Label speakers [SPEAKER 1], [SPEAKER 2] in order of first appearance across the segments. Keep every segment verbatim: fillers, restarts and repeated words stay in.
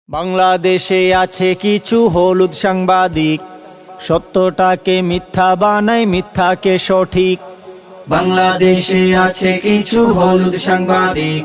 [SPEAKER 1] বাংলাদেশে আছে কিছু হলুদ সাংবাদিক, সত্যটাকে মিথ্যা বানায়, মিথ্যাকে সঠিক।
[SPEAKER 2] বাংলাদেশে আছে কিছু হলুদ সাংবাদিক,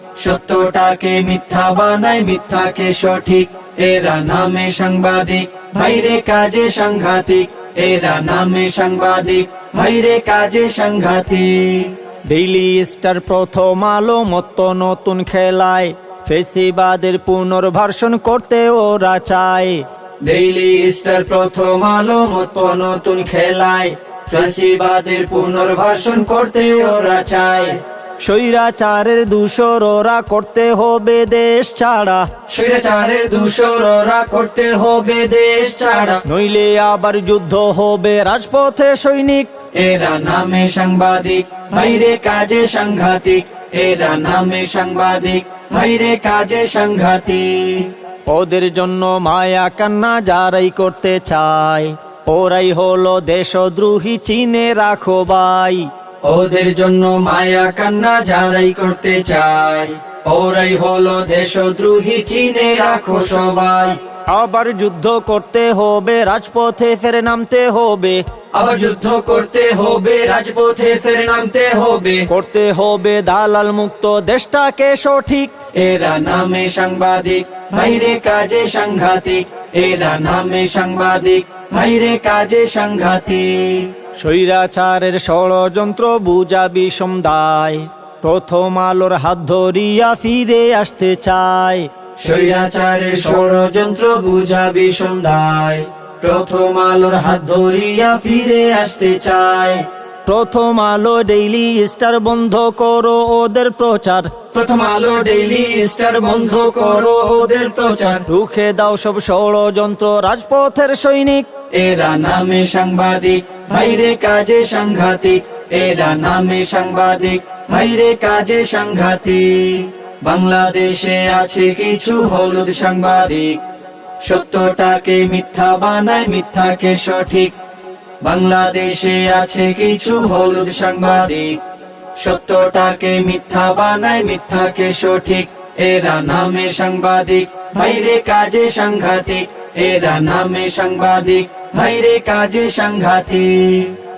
[SPEAKER 2] সত্যটাকে মিথ্যা বানায়, মিথ্যাকে সঠিক। এরা নামে সাংবাদিক, ভাইরে কাজে সাংঘাতিক। এরা নামে সাংবাদিক, ভাইরে কাজে সাংঘাতিক।
[SPEAKER 1] ডেইলি স্টার, প্রথম আলো মতো নতুন খেলায়, ফেসিবাদের পুনর্ভাষণ করতে ওরা চায়।
[SPEAKER 2] ডেইলি স্টার, প্রথম আলো মতো নতুন খেলায়, ফ্যাসিবাদের পুনর্বাসন করতে ওরা চায়।
[SPEAKER 1] স্বৈরাচারের দূষর ওরা করতে হবে দেশ ছাড়া,
[SPEAKER 2] স্বৈরাচারের দূষর ওরা করতে হবে দেশ ছাড়া।
[SPEAKER 1] নইলে আবার যুদ্ধ হবে রাজপথে সৈনিক।
[SPEAKER 2] এরা নামে সাংবাদিক, ভাইরে কাজে সাংঘাতিক। এরা নামে সাংবাদিক, ভাইরে কাজে সাংঘাতিক।
[SPEAKER 1] ওদের জন্য মায়া কান্না যারাই করতে চায়, ওরাই হলো দেশদ্রোহী, চিনে রাখো ভাই।
[SPEAKER 2] ওদের জন্য মায়া কান্না যারাই করতে চায়, ওরাই হলো দেশদ্রোহী, চিনে রাখো সবাই।
[SPEAKER 1] আবার যুদ্ধ করতে হবে, রাজপথে ফেরে নামতে হবে।
[SPEAKER 2] আবার যুদ্ধ করতে হবে, রাজপথে ফের নামতে হবে।
[SPEAKER 1] করতে হবে দালাল মুক্ত দেশটাকে সঠিক।
[SPEAKER 2] এরা নামে সাংবাদিক, ভাইরে কাজে সাংঘাতিক। এরা নামে সাংবাদিক, ভাইরে কাজে সাংঘাতিক।
[SPEAKER 1] স্বৈরাচারের ষড়যন্ত্র বুঝা বিষম দায়, প্রথম আলোর হাত ধরিয়া ফিরে আসতে চায়।
[SPEAKER 2] স্বৈরাচারের ষড়যন্ত্র বুঝা বিষম দায়, প্রথম আলোর হাত ধরিয়া ফিরে আসতে চায়।
[SPEAKER 1] প্রথম আলো ডেইলি স্টার, বন্ধ করো ওদের প্রচার।
[SPEAKER 2] প্রথম আলো ডেইলি স্টার, বন্ধ করো ওদের প্রচার।
[SPEAKER 1] রুখে দাও সব ষড়যন্ত্র, রাজপথের সৈনিক।
[SPEAKER 2] এরা নামে সাংবাদিক, ভাইরে কাজে সাংঘাতিক। এরা নামে সাংবাদিক, ভাইরে কাজে সাংঘাতিক। বাংলাদেশে আছে কিছু হলুদ সাংবাদিক, সত্যটাকে মিথ্যা বানায়, মিথ্যাকে সঠিক। বাংলাদেশে আছে কিছু হলুদ সাংবাদিক, সত্যটাকে মিথ্যা বানায়, মিথ্যাকে সঠিক। এরা নামে সাংবাদিক, ভাইরে কাজে সাংঘাতিক। এরা নামে সাংবাদিক, ভাইরে কাজে সাংঘাতিক।